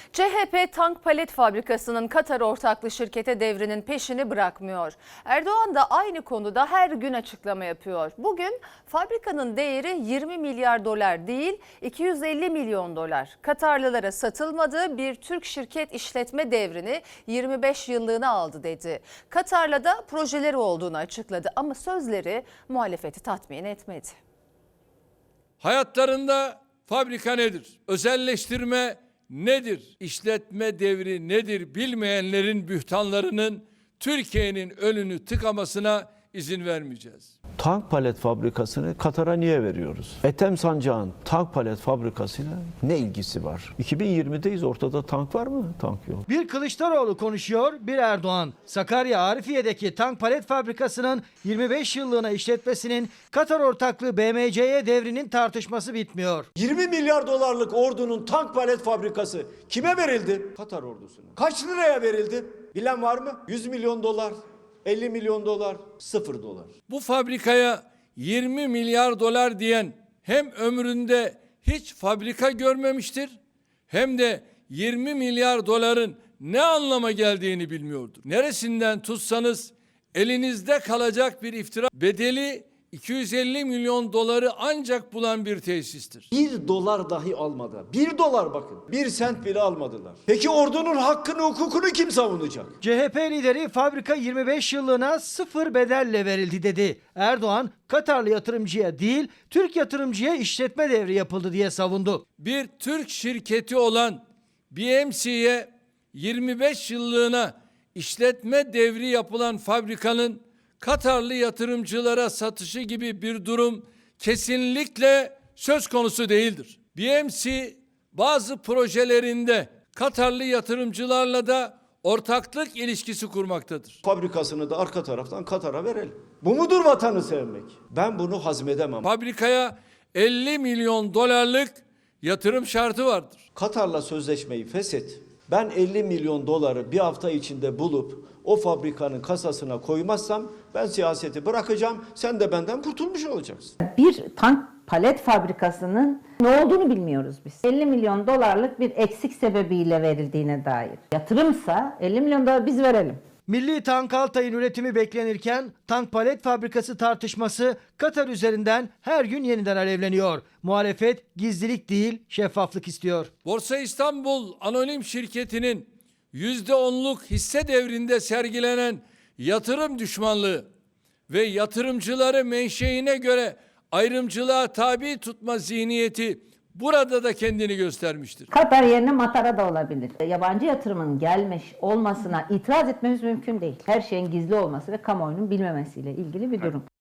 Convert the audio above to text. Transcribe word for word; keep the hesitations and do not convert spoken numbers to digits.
C H P tank palet fabrikasının Katar ortaklı şirkete devrinin peşini bırakmıyor. Erdoğan da aynı konuda her gün açıklama yapıyor. Bugün fabrikanın değeri yirmi milyar dolar değil iki yüz elli milyon dolar. Katarlılara satılmadığı bir Türk şirket işletme devrini yirmi beş yıllığına aldı dedi. Katar'la da projeleri olduğunu açıkladı ama sözleri muhalefeti tatmin etmedi. Hayatlarında fabrika nedir? Özelleştirme nedir? İşletme devri nedir? Bilmeyenlerin bühtanlarının Türkiye'nin önünü tıkamasına izin vermeyeceğiz. Tank palet fabrikasını Katar'a niye veriyoruz? Ethem Sancak'ın tank palet fabrikasıyla ne ilgisi var? iki bin yirmideyiz, ortada tank var mı? Tank yok. Bir Kılıçdaroğlu konuşuyor, bir Erdoğan. Sakarya Arifiye'deki tank palet fabrikasının yirmi beş yıllığına işletmesinin Katar ortaklığı B M C'ye devrinin tartışması bitmiyor. yirmi milyar dolarlık ordunun tank palet fabrikası kime verildi? Katar ordusuna. Kaç liraya verildi? Bilen var mı? yüz milyon dolar, elli milyon dolar, sıfır dolar. Bu fabrikaya yirmi milyar dolar diyen hem ömründe hiç fabrika görmemiştir hem de yirmi milyar doların ne anlama geldiğini bilmiyordur. Neresinden tutsanız elinizde kalacak bir iftira, bedeli iki yüz elli milyon doları ancak bulan bir tesistir. Bir dolar dahi almadı. Bir dolar bakın. Bir sent bile almadılar. Peki ordunun hakkını, hukukunu kim savunacak? C H P lideri fabrika yirmi beş yıllığına sıfır bedelle verildi dedi. Erdoğan, Katarlı yatırımcıya değil, Türk yatırımcıya işletme devri yapıldı diye savundu. Bir Türk şirketi olan B M C'ye yirmi beş yıllığına işletme devri yapılan fabrikanın Katarlı yatırımcılara satışı gibi bir durum kesinlikle söz konusu değildir. B M C bazı projelerinde Katarlı yatırımcılarla da ortaklık ilişkisi kurmaktadır. Fabrikasını da arka taraftan Katar'a verelim. Bu mudur vatanı sevmek? Ben bunu hazmedemem. Fabrikaya elli milyon dolarlık yatırım şartı vardır. Katar'la sözleşmeyi feshet. Ben elli milyon doları bir hafta içinde bulup o fabrikanın kasasına koymazsam ben siyaseti bırakacağım. Sen de benden kurtulmuş olacaksın. Bir tank palet fabrikasının ne olduğunu bilmiyoruz biz. elli milyon dolarlık bir eksik sebebiyle verildiğine dair. Yatırımsa elli milyon dolar biz verelim. Milli Tank Altay'ın üretimi beklenirken tank palet fabrikası tartışması Katar üzerinden her gün yeniden alevleniyor. Muhalefet gizlilik değil, şeffaflık istiyor. Borsa İstanbul Anonim Şirketi'nin yüzde onluk hisse devrinde sergilenen yatırım düşmanlığı ve yatırımcıları menşeine göre ayrımcılığa tabi tutma zihniyeti burada da kendini göstermiştir. Katar yerine Matara da olabilir. Yabancı yatırımın gelmiş olmasına itiraz etmemiz mümkün değil. Her şeyin gizli olması ve kamuoyunun bilmemesiyle ilgili bir durum.